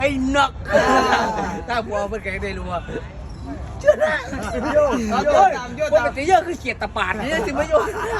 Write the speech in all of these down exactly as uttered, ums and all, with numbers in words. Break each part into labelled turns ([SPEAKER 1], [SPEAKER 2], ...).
[SPEAKER 1] ไอ้หนักถ้าผัวเพิ่นแกได้รู้ว่าเชื่อได้โยโยปกติเยอะคือเกียรติปาดนี่สิมาโย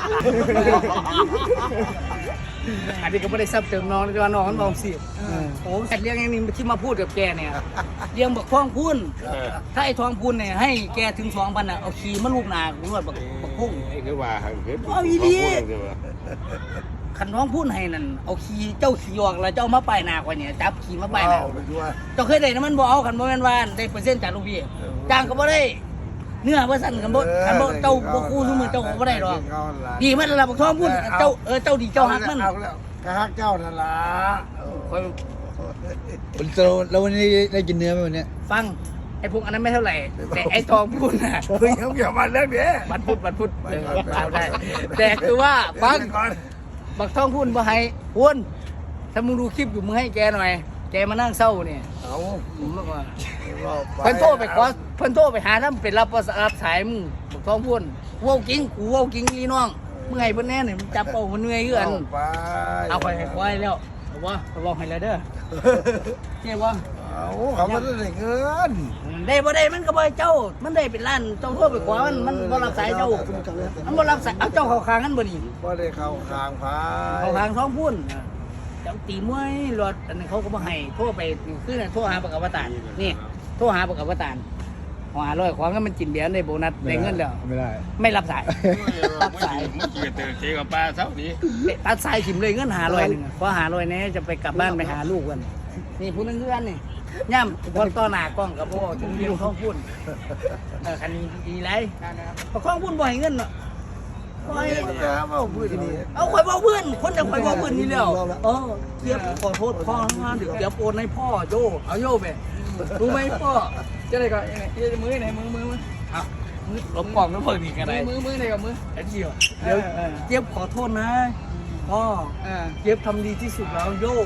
[SPEAKER 1] อันนี้ก็ไม่ได้ซับเติมน้องแต่ว่าน้องมันมองสิโอ้เรื่องอย่างนี้ที่มาพูดกับแกเนี่ยเรื่องบักทองพูนถ้าไอ้ทองพูนเนี่ยให้แกถึงสองพันอ่ะเอาขี่มาลูกนาคุณว่าบักบักพุ่ง
[SPEAKER 2] ไอ้คือว่าคือ
[SPEAKER 1] เอาอีดีขันท้องพูนให้นั่นเอาขี่เจ้าขี่ออกแล้วเจ้ามาป้ายหน้ากว่าเนี่ยจับขี่มาป้ายหน้าเจ้าเคยได้นะมันบ่เอาขันบ่แม่นว่าได้เปอร์เซ็นต์จากลูกพี่จ้างก็บ่ได้เนื้อบ่สั่นกันบ่ขันบ่เจ้าบ่คู่ซุมื้อเจ้าก็บ่ได้หรอกดีมันระดับบักทองพูนเจ้าเออเจ้าดีเจ้าฮักมัน
[SPEAKER 3] ก็ฮักเจ้านั่นล่ะ
[SPEAKER 4] แล้ววันนี้ได้กินเนื้อไหมวันนี้
[SPEAKER 1] ฟังไอ้พวกอันนั้นไม่เท่าไหร่แต่ไอ้ทองพูนน่ะ
[SPEAKER 3] เฮ้ยเขาเกี่ยวมาเรื่องนี้
[SPEAKER 1] วันพุธวันพุธเอาได้แต่คือว่าฟังบักทองพูนบ่ให้พูนถ้ามึงดูคลิปอยู่มึงให้แกหน่อยแกมานั่งเศร้าเนี่ย
[SPEAKER 3] เอา
[SPEAKER 1] ผมบอกว่าเพิ่นโทรไปขอเพิ่นโทรไปหาน้ำเป็นรับรับสายมึงบอกท้องพูนกูเอากิ้งกูเอากิ้งนี่น้องเมื่อไงเพิ่นแน่เนี่ยมันจับเอามันเหนื่อยเอื้อน
[SPEAKER 3] ไป
[SPEAKER 1] เอาไปให้ควายแล้วเอาว่าบอกให้แล้วเด้อเจ๊ว่า
[SPEAKER 3] เอาเขาไม่ได้เงิน
[SPEAKER 1] ได้บ่ได้มันก็บ่เจ้ามันได้เป็นล้านเจ้าโทรไปขอมันมันบ่รับสายเจ้ามันบ่รับสายเอาเจ้าเข้าข้างกันบ่นี่
[SPEAKER 3] ไม่ได้เข้าคางพา
[SPEAKER 1] เข้าข้างท้องพูนเจ้าตีมวยรถอันนี้เขาก็บ่ให้โทรไปคือโทรหาปากอวตารนี่โทรหาปากอวตารหาร้อยของก็มันกินเบียร์ได้โบนัสได้เงินแล้ว
[SPEAKER 4] ไม่ได้
[SPEAKER 1] ไม่รับสายรับสาย
[SPEAKER 2] เมื่อกี้เจอเจกับปลาเท่านี้
[SPEAKER 1] ตัดสายถิ่มเลยเงินหาร้อยหนึ่งพอหาร้อยนี้จะไปกลับบ้านไปหาลูกกันนี่พูดเรื่องนี่ย่ำพอต่อหน้ากล้องกับพ่อถึงมีข้องพูดเออคันนี้ดีไรพอข้องพูดบ่อยเงินเนาะบ่อย
[SPEAKER 3] เอาพื้นนี่
[SPEAKER 1] เอาข่อยบอกเพื่อนคนจะข่อยบอกเพื่อนนี่แล้วเออเกียบขอโทษพ่อนะเดี๋ยวเกียบโอนให้พ่อโยเอาโยไปรู้ไหมพ่อจะได้ก็มือไหนมือมือมือเอามือหลบกล่องแล้วเพิ่งอีกอะไรมือมือไหนกับมือไอ้เจียวเดี๋ยวเจี๊ยบขอโทษนะพ่อเจี๊ยบทำดีที่สุดแล้วโย่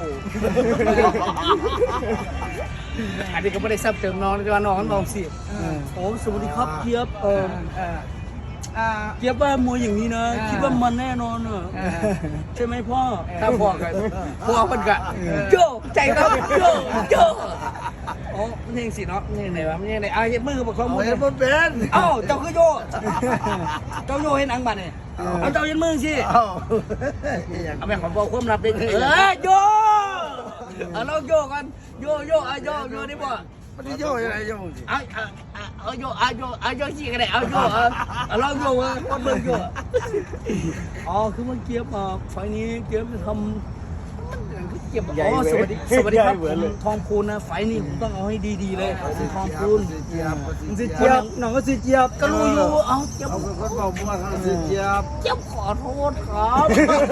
[SPEAKER 1] อันนี้ก็ไม่ได้ซับเติมน้องแต่ว่าน้องมันมองสิโอ้สวัสดีครับเจี๊ยบเออเจี๊ยบว่ามวยอย่างนี้นะคิดว่ามันแน่นอนเนอะใช่ไหมพ่อถ้าพ่อกันพ่อมันกะโย่ใจครับโย่โย่โอ้มันเองสิเนาะนี่ไหนวะมันยังไงอ่ะมือบอกข้อมูล
[SPEAKER 3] เห็นมันเป็น
[SPEAKER 1] เอ้าเจ้าคือโยเจ้าโยให้หนังบัตรเนี่ยเอาเจ้ายันมือสิ
[SPEAKER 3] เอา
[SPEAKER 1] เอาไปขอบอกความลับเลยเออโยเอาลองโยกันโยโยเอาโยโยได้บ่
[SPEAKER 3] มันจะโย่ยังไงโย่สิ
[SPEAKER 1] เอาเอาเอาโยเอาโยเอาโยสิก็ได้เอาโยเอาเอาลองโยมาคนเบิ่งโยอ๋อคือมันเกียบอ่ะไฟนี้เกียบจะทำเกียบอ๋อสวัสดีสวัสดีครับผมทองคูณนะไฟนี้ผมต้องเอาให้ดีๆเลยผมทองคูณ
[SPEAKER 3] เจี๊ยบ
[SPEAKER 4] สิเจี๊ยบน้องก็สิเจี๊ยบ
[SPEAKER 1] ก็รู้อยู่เอาเจี๊ยบ
[SPEAKER 3] เขาเป็นคนเบาบ้วนเขาเจี๊ยบ
[SPEAKER 1] เจี๊ยบขอโทษครับ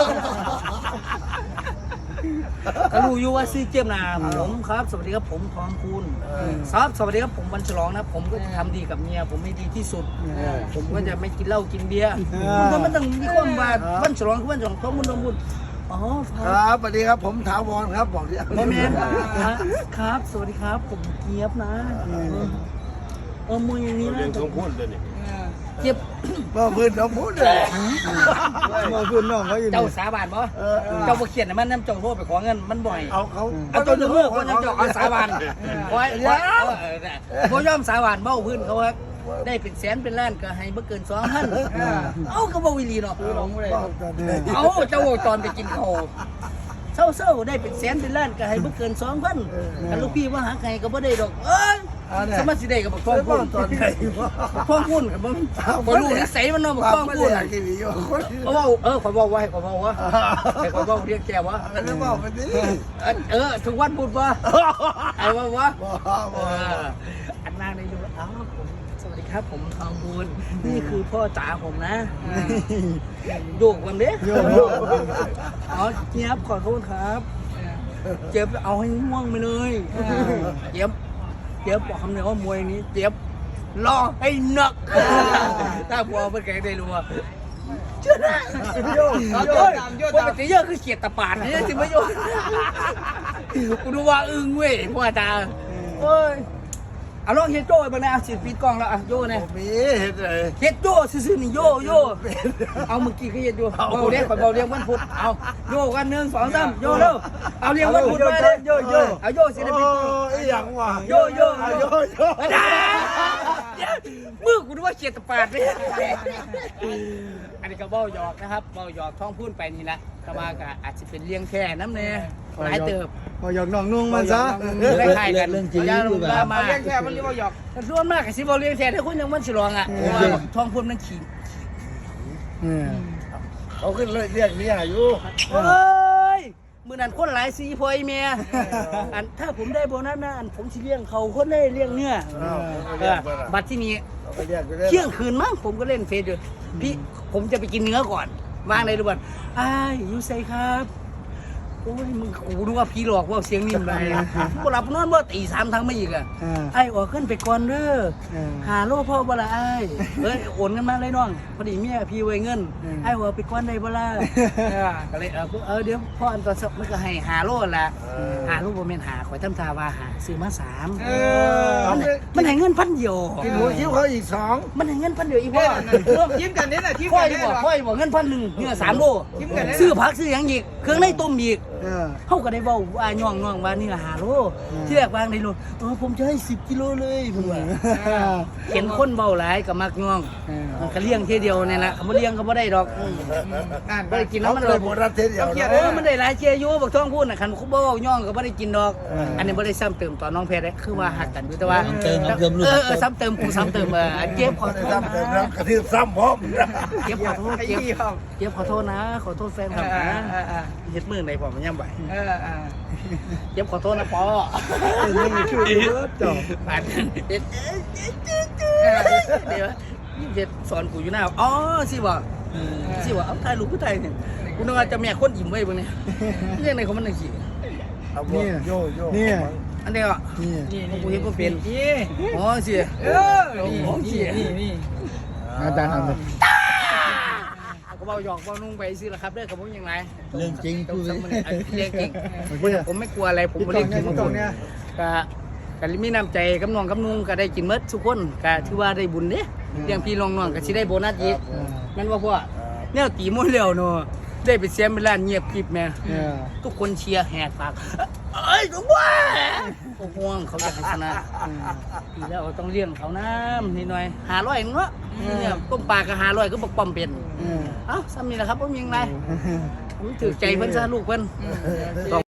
[SPEAKER 1] ก็รู้อยู่ว่าซื้อเจี๊ยบนะผมครับ สวัสดีครับผมทองคูณครับสวัสดีครับผมวันฉลองนะผมก็จะทำดีกับเมียผมไม่ดีที่สุดผมก็จะไม่กินเหล้ากินเบียร์มันมันต้องมีความว่าวันฉลองคือวันฉลองท้องมุนท้องมุนอ๋อค
[SPEAKER 3] ครับ รับสวัสดีครับผมถาวรครับบอกที่
[SPEAKER 1] โมเมนต์ครับสวัสดีครับผมเจี๊ยบนะเออมืออย่างนี้
[SPEAKER 2] เรื่อ
[SPEAKER 1] นะ
[SPEAKER 2] งของพูดเลยนี่
[SPEAKER 1] เจี๊ยบ
[SPEAKER 3] มาพื้นน้องพูดเลย
[SPEAKER 4] มาพื้นน้องเขาอยู่
[SPEAKER 1] เจ้า
[SPEAKER 4] นี่
[SPEAKER 1] สาบานบ่เจ้าบ่เขียนให้มันน้ำเจ้าโทษไปขอเงินมันบ่อย
[SPEAKER 3] เอาเขา
[SPEAKER 1] เอาตัวหนึ่งมือคนยังเจ้าเอาสาบานไว้ไว้บ่ยอมสาบานเบ้าพื้นเขาครับได้เป็นแสนเป็นล้านก็ให้บ่เกินสองพันเอ้าก็บ่วิลีเนาะเอ้าเจ้าตอนไปกินข้าวเศร้าๆได้เป็นแสนเป็นล้านก็ให้บ่เกินสองพันกันลูกพี่ว่าหาใครก็บ่ได้ดอกเอ้ยสมัครสิได้ก็บ่ท้องพูน
[SPEAKER 3] ตอนไหนวะ
[SPEAKER 1] ท้องพูนก็บ่บ่รู้นิสัยมันเนาะบ่ท้องพูน
[SPEAKER 3] อยากกินอีกคน
[SPEAKER 1] เออเออขอยบอกว่าให้ขอยบอกว่าให้ขอยบอกเรียกแกว่า
[SPEAKER 3] มันจะบอกมันดิ
[SPEAKER 1] เออทุกวันพูดว่าไอ้ว่าว่า
[SPEAKER 3] บอกบอก
[SPEAKER 1] อันนั้นในดูอ้าวผมสวัสดีครับผมทองบุญนี่คือพ่อจ๋าผมนะโยกวันเด้อ๋อเจี๊ยบขอโทษครับเจี๊ยบเอาให้ง่วงไปเลยเจี๊ยบเจี๊ยบบอกคำเดียวว่ามวยนี้เจี๊ยบรอให้หนักถ้าผัวเพื่อนแกได้รู้ว่าเชื่อได้โยโยปกติเยอะคือเกียรติปาดนี่สิมาโยกูดูว่าอึ้งเว้ยพ่อตาเฮ้ยเอาลองเฮ็ดโจ้บ้างนะเอาสิปิดกล้องแล้วอ่ะโย่เนี่ย
[SPEAKER 3] มีเห็นเลย
[SPEAKER 1] เฮ็ดโย่ซื่อๆนี่โย่โย่เอาเมื่อกี้ก็เฮ็ดอยู่เบาเรียกเบาเรียกวันพุธเอาโย่กันหนึ่งสองสามโย่เร็วเอาเรียกวันพุธมาเลยโย่โย่เอาโย่สิได้ปิดกล้อง
[SPEAKER 3] ไอ้อย่างว่ะ
[SPEAKER 1] โย่โย่
[SPEAKER 3] โยโย่
[SPEAKER 1] มือกูนึกว่าเขียดตะปาดเลยอันนี้ก็เบ้าหยอกนะครับเบ้าหยอกท้องพูดไปนี่นะก็ว่าก็อาจจะเป็นเลี้ยงแค่น้ำเนี่ยหลายเติบ
[SPEAKER 4] พอหยอกน้องนุ่งมันซะ
[SPEAKER 1] คล้ายๆกัน
[SPEAKER 4] เรื่องจริง
[SPEAKER 1] ย่า
[SPEAKER 4] หรือเป
[SPEAKER 1] ล
[SPEAKER 4] ล่า
[SPEAKER 1] มาเลี้ยงแค่มันเรียกว่าหยอกส่วนมากกับสิบเลี้ยงแค่ถ้าคุณยังมันฉลองอ่ะเพราะว่าท้องพูดมันขี่
[SPEAKER 4] เออ
[SPEAKER 3] เขาขึ้นเลยเรียกเมียอยู่
[SPEAKER 1] เฮ้ยมือนั้นคนหลายสีพอยเมียอันถ้าผมได้โบนัสนะอันผมจะเลี้ยงเขาคนได้เลี้ยงเนื้อบัตรที่นี้
[SPEAKER 3] ไปเรียกไปเรียก
[SPEAKER 1] เที่ยงคืนมั้งผมก็เล่นเฟซอยู่พี่ผมจะไปกินเนื้อก่อนวางในดูบัตรอ้ายยูไซครับโอ้ยมึงกูนึกว่าพี่หลอกว่าเสียงนิ่มเลยกูหลับนอนว่าตีสามทั้งไม่อีกอ่ะ
[SPEAKER 4] อ่า
[SPEAKER 1] ไอ้ออกขึ้นไปก่อนเด้อ
[SPEAKER 4] เออ
[SPEAKER 1] หาโลพ่อบ่ละไอ้เอ้ยโอนเงินมาเลยน้องพอดีเมียพี่ไว้เงิน
[SPEAKER 4] อืม
[SPEAKER 1] ไอ้หัวไปก่อนได้บ่ล่ะเออก็เลยเออเออเดี๋ยวพ่ออันตอนสักมันก็ให้หาโลละหาโลบ่แม่นหาข่อยทำท่าว่าหาซื้อมาสาม
[SPEAKER 3] เออ
[SPEAKER 1] มันมันให้เงินพันเดียว
[SPEAKER 3] กินหมูคิ้วเขาอีกสอง
[SPEAKER 1] มันให้เงินพันเดียวอีพ่อ
[SPEAKER 5] ยิ้มกันนี่แหละยิ้ม
[SPEAKER 1] พ่อ
[SPEAKER 5] กัน
[SPEAKER 1] อี
[SPEAKER 5] นี่
[SPEAKER 1] บอก
[SPEAKER 5] หรอ
[SPEAKER 1] พ่ออีบอกเงินพันหนึ่งเนี่ยสามโล
[SPEAKER 5] กินกันได้
[SPEAKER 1] ซื้อผักซื้อหยังอีกเครื่องในต้มอีก
[SPEAKER 4] เออ
[SPEAKER 1] เขาก็ได้บอกว่าย่องน้องว่านี่ละหาโลที่แรกวางในโลเออผมจะให้สิบกิโลเลยเพิ่นว่าเห็นคนเบาหลายกับมักย่อง
[SPEAKER 4] เออ
[SPEAKER 1] มันก็เลี้ยงเทีเดียวนี่แหละเขาบ่เลี้ยงก็บ่ได้ดอกอืม
[SPEAKER 5] อ่าน
[SPEAKER 1] บ่ได้กิน
[SPEAKER 3] เขา
[SPEAKER 1] น้ำมัน
[SPEAKER 3] เล
[SPEAKER 1] เลย ย
[SPEAKER 3] หมดรัฐเทียเดียว
[SPEAKER 1] เออมันได้หลายเชียร์อยู่บักท้องพูดน่ะคันเขาบ่เว้าย่องก็บ่ได้กินดอก อันนี้บ่ได้ซ้ำเติมต่อน้องแพรได้คือว่าหักกันอยู่แต่ว่า
[SPEAKER 4] ซ้ำเติมซ้ำเติมลูก
[SPEAKER 1] เออเออซ้ำเติมกูซ้ำเติมเออเจ็บขอโทษ
[SPEAKER 3] ซ้ำเติม
[SPEAKER 1] นะ
[SPEAKER 3] แล้วกระทืบซ้ำพร้อม
[SPEAKER 1] เจ็บขอโทษ
[SPEAKER 5] ไอ้
[SPEAKER 1] เจ็บ
[SPEAKER 5] ยี่ห้อ
[SPEAKER 1] เจ็บขอโทษนะ ขอโทษแฟนคลับ
[SPEAKER 5] อ่า
[SPEAKER 1] นะ
[SPEAKER 5] อ่าอ่า
[SPEAKER 1] เฮ็ดมือไหนผมมันย่ำไหว
[SPEAKER 5] เอออ่า
[SPEAKER 1] เจ็บขอโทษนะปอ
[SPEAKER 4] นี่คือจบ
[SPEAKER 1] ผ่านเด็ดเดี๋ยวยี่สิบเจ็ดสอนกูอยู่หน้าอ๋อสิวะสิวะเอาถ่ายรูปผู้ไทยเนี่ยกูนึกว่าจะแม่คนยิ้มไว้บนนี้เรื่องในของมันหนึ่งสี่
[SPEAKER 4] นี่
[SPEAKER 3] โยโย่
[SPEAKER 4] นี่
[SPEAKER 1] อันเดียวอ่ะ
[SPEAKER 4] นี่
[SPEAKER 5] นี่
[SPEAKER 1] กูเห็นว่าเป็น
[SPEAKER 5] นี่
[SPEAKER 1] อ๋อสิ
[SPEAKER 5] เออนี่นี่นี่
[SPEAKER 4] อาจารย์ทำเลย
[SPEAKER 1] ก็เบาหยอกเบานุ่งไปสิละครับเด้อกับผมยังไง
[SPEAKER 4] เรื่องจริงพูดเลย
[SPEAKER 1] เรื่องจริง
[SPEAKER 4] โอเค
[SPEAKER 1] ผมไม่กลัวอะไรผมไม่ได้กิน
[SPEAKER 4] ตรงเนี้ย
[SPEAKER 1] ก็ก็มีน้ำใจกับน้องกับนุ่งก็ได้กินเมดทุกคนก็ถือว่าได้บุญเด้เลี้ยงพี่น้องน้องก็สิได้โบนัสอีกแม่นว่าพ่อแนวตีม้วนแล้วเนาะได้ไปเสียเวลาเงียบกริบแม่
[SPEAKER 4] เออ
[SPEAKER 1] ทุกคนเชียร์แหกปากเอ้ยหลวงพ่อโอ้ห่วงเขาอยากให้ชนะปีแล้วต้องเลี้ยงเขาน้ำนิดหน่อยหาร้อยเนาะเนี่ยต้มปลาก็หาร้อยก็บอกป้อมเป็น
[SPEAKER 4] เออ
[SPEAKER 1] เอ้าซ้ำนี่แหละครับผมยังไงผมถือใจเพิ่นซะลูกเพิ่น